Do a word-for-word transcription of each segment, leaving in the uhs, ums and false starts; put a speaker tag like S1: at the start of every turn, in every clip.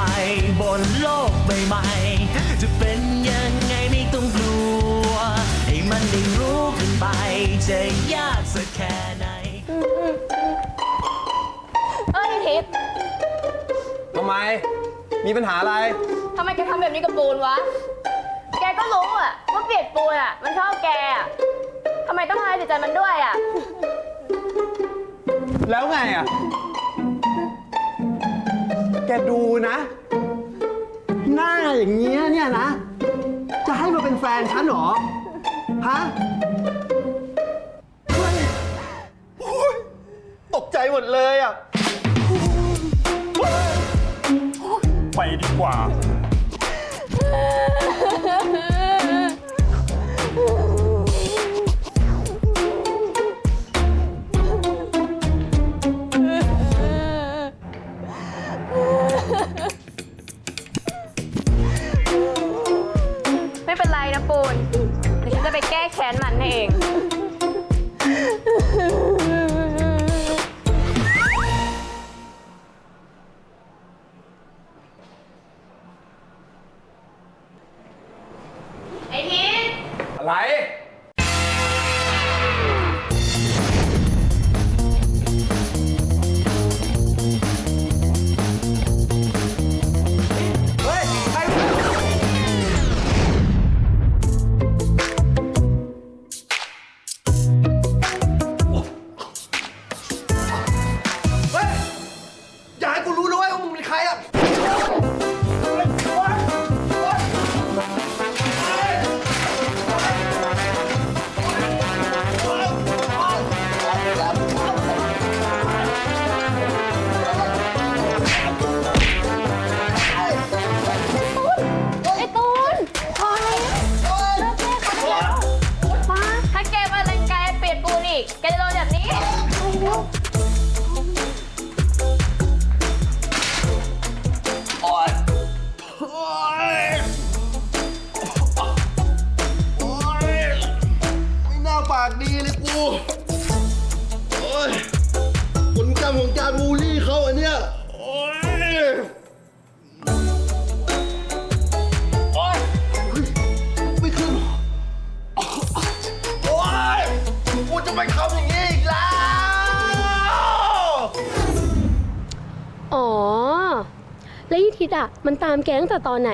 S1: บนโลกใบใหม่จะเป็นยังไงไม่ต้องกลัวให้มันได้รู้กันไปจะยากสักแค่ไหน
S2: เอ้ยทิพย์
S3: ทำไมมีปัญหาอะไร
S2: ทำไมแกทำแบบนี้กับปูนวะแกก็รู้อะว่าเปียกปูนอะมันชอบแกอะทำไมต้องทำร้ายจิตใจมันด้วยอะ
S3: แล้วไงอะแกดูนะหน้าอย่างเงี้ยเนี่ยนะจะให้มาเป็นแฟนฉันเหรอฮะตกใจหมดเลยอ่ะ
S4: ไปดีกว่า
S2: ไม่เป็นไรนะปูนเดี๋ยวฉันจะไปแก้แค้นมันเองไอ้ทิศ
S3: อะไร
S2: แกจะโดนแบบนี้
S3: โอ๊ยโอ๊ยโอ๊ยไม่น่าปากดีเลยกูโอ๊ยผลกรรมของการบูลลี่เขาอันเนี้ยโอ๊ยโอ๊ยไม่ขึ้นโอ๊ยกูจะไปทำอย่างนี้อีกแล้ว
S5: อ๋อแล้วยี่ทิศอ่ะมันตามแกตั้งแต่ตอนไหน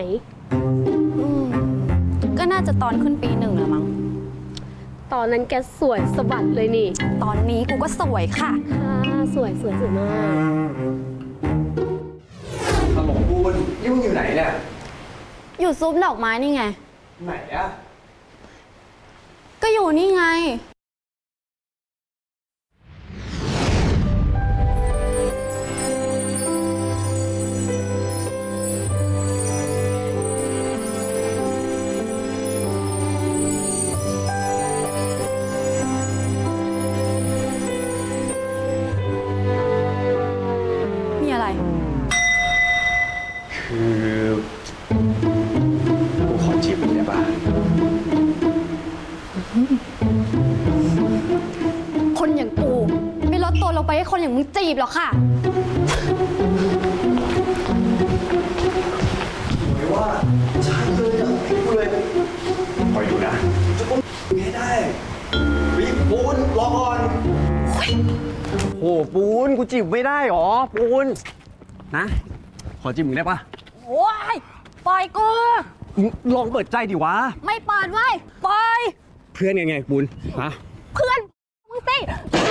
S6: ก็น่าจะตอนขึ้นปีหนึ่งแล้วมั้ง
S5: ตอนนั้นแกสวยสะบัดเลยนี่
S6: ตอนนี้กูก็สวยค่ะ
S5: ค่ะสวยสวยสวยมาก
S3: ฮัลโหลบูนนี่มึงอยู่ไหนเนี่ย
S6: อยู่ซุปดอกไม้นี่ไง
S3: ไหนอะ
S6: ก็อยู่นี่ไง
S3: คือกูขอจีบมึงได้ป่ะ
S6: คนอย่างกูไม่ลดตัวลงไปให้คนอย่างมึงจีบหรอกค่ะ
S3: ไม่ว่าใช่เลยอ่ะกูเลยคอยดูนะจะต้องไม่ได้วิปูนรอก่อนโอ้ปูนกูจีบไม่ได้หรอปูนนะขอจีบมึงได้ป่ะ
S6: โอ้ยปล่อยกู
S3: ลองเปิดใจดิวะ
S6: ไม่เปิดไว้ปล่อย
S3: เพื่อนยังไงปูนฮะ
S6: เพื่อนมึงสิ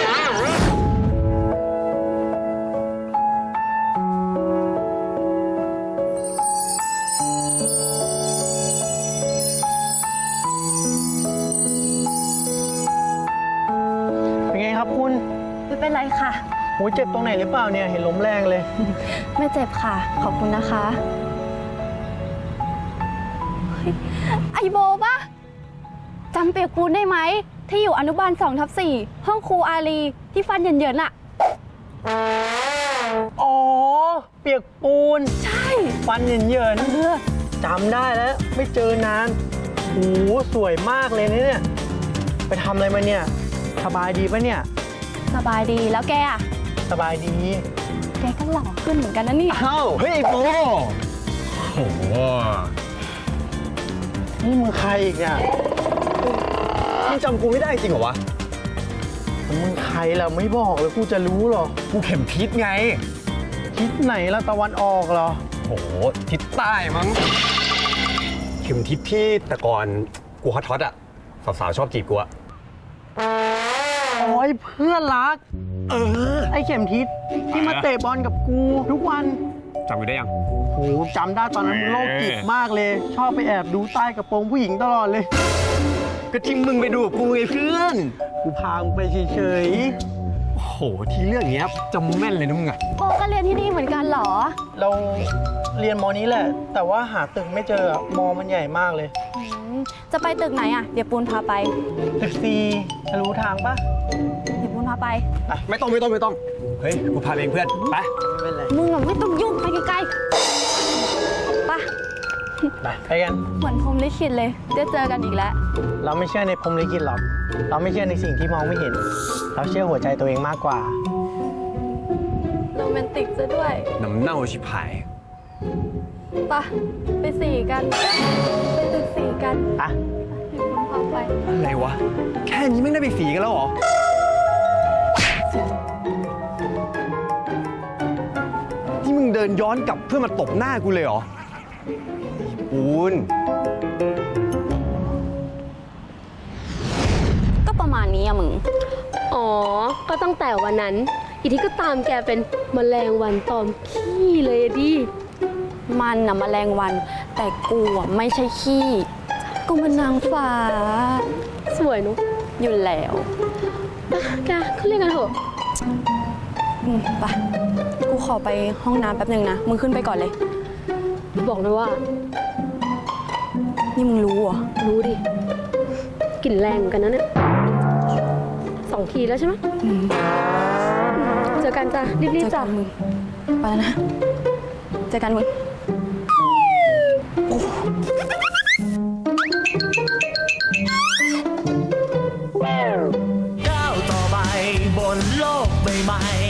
S7: เป็นไงครับคุณ
S6: ไม่เป็นไรค่ะ
S7: โหเจ็บตรงไหนหรือเปล่าเนี่ยเห็นล้มแรงเลย
S6: ไม่เจ็บค่ะขอบคุณนะคะไอโบปะจำเปียกปูนได้ไหมที่อยู่อนุบาลสองทับสี่ห้องครูอารีที่ฟันเหยินๆอะ
S7: อ๋อเปียกปูน
S6: ใช่
S7: ฟันเหยินๆจำได้แล้วไม่เจอนานโหสวยมากเลยเนี่ยไปทำอะไรมาเนี่ยสบายดีปะเนี่ย
S6: สบายดีแล้วแกอะ
S7: สบายดี
S6: แกก็หล่อขึ้นเหมือนกันนะนี่
S7: อ้าวเฮ้ยโบ
S3: โห
S7: นี่มึงใครอีกเนี่ยมึงจำกูไม่ได้จริงเหรอวะมึงใครล่ะไม่บอกเลยกูจะรู้หรอ
S3: กูเข็มทิศไง
S7: ทิศไหนละตะวันออกเหรอ
S3: โอ้โห ทิศใต้มั้ง เข็มทิศที่แต่ก่อนกูฮอตฮอตอะสาวๆชอบจีบกูอะ
S7: โอ้ยเพื่อนรัก
S3: เออ
S7: ไอ้เข็มทิศที่มาเตะบอลกับกูทุกวัน
S3: จำกูได้ยัง
S7: โหจำได้ตอนนั้นมึงโรคจิตมากเลย ชอบไปแอบดูใต้กระโปรงผู้หญิงตลอดเลย
S3: ก็ที่มึงไปดูกับกูไงเพื่อน
S7: กูพามึงไปเฉย
S3: โอ้โห ที่เรื่องเนี้ยจำแม่นเลยนะมึงอะ
S6: โบก็เรียนที่นี่เหมือนกันเหรอ
S7: ๆเราเรียนมอนี้แหละ แต่ว่าหาตึกไม่เจออะมอมันใหญ่มากเลย
S6: อืมจะไปตึกไหนอ่ะ เดี๋ยวปูนพาไป
S7: ตึกซีรู้ทางปะ
S6: เดี๋ยวปูนพาไป
S3: ไม่ต้องไม่ต้องไม่ต้อง เฮ้ย กูพาไปเองเพื่อน ไป
S7: ไม่เป็นไร
S6: มึงอะไม่ต้องยุ่งไปไกลๆไปะ
S7: ไปไปกัน
S6: เหมือนพรหมลิขิตเลยได้เจอกันอีกแล้ว
S7: เราไม่เชื่อในพรหมลิขิตหรอก เราไม่เชื่อในสิ่งที่มองไม่เห็น เราเชื่อหัวใจตัวเองมากกว่า
S6: โรแมนติกซะด้วย
S3: น้ำเน่าชิบหาย
S6: ไปะไปสี่กัน ไปตึกสี่กัน
S7: อ่ะ
S6: เดี๋ยวปูนพาไป
S3: อะไรวะ แค่นี้ไม่ได้ไปสีกันแล้วเหรอ ที่มึงเดินย้อนกลับเพื่อมาตบหน้ากูเลยเหรอปูน
S6: ก็ประมาณนี้อะมึง
S5: อ๋อ ก็ตั้งแต่วันนั้น อีทิศก็ตามแกเป็นแมลงวันตอมขี้เลยอะดิ
S6: มันน่ะแมลงวัน แต่กูอะไม่ใช่ขี้ กูมันนางฟ้า
S5: สวยเนุ๊ก
S6: อยู่แล้ว
S5: แกขึ้นเรียนกันเถอะ
S6: อืมไปกูขอไปห้องน้ำแป๊บหนึ่งนะ มึงขึ้นไปก่อนเลย
S5: บอกเลยว่า
S6: นี่มึงรู้เหรอ
S5: รู้ดิกลิ่นแรงเหมือนกันนะเนี่ยสองทีแล้วใช่ไหมอืมเจอกันจ้ะ รีบ
S6: เจอ
S5: ๆ
S6: กั
S5: จ้ะ
S6: นมึง ไปแล้วนะ เจอกันมึง
S1: ก้าวต่อไปบนโลกใบใหม่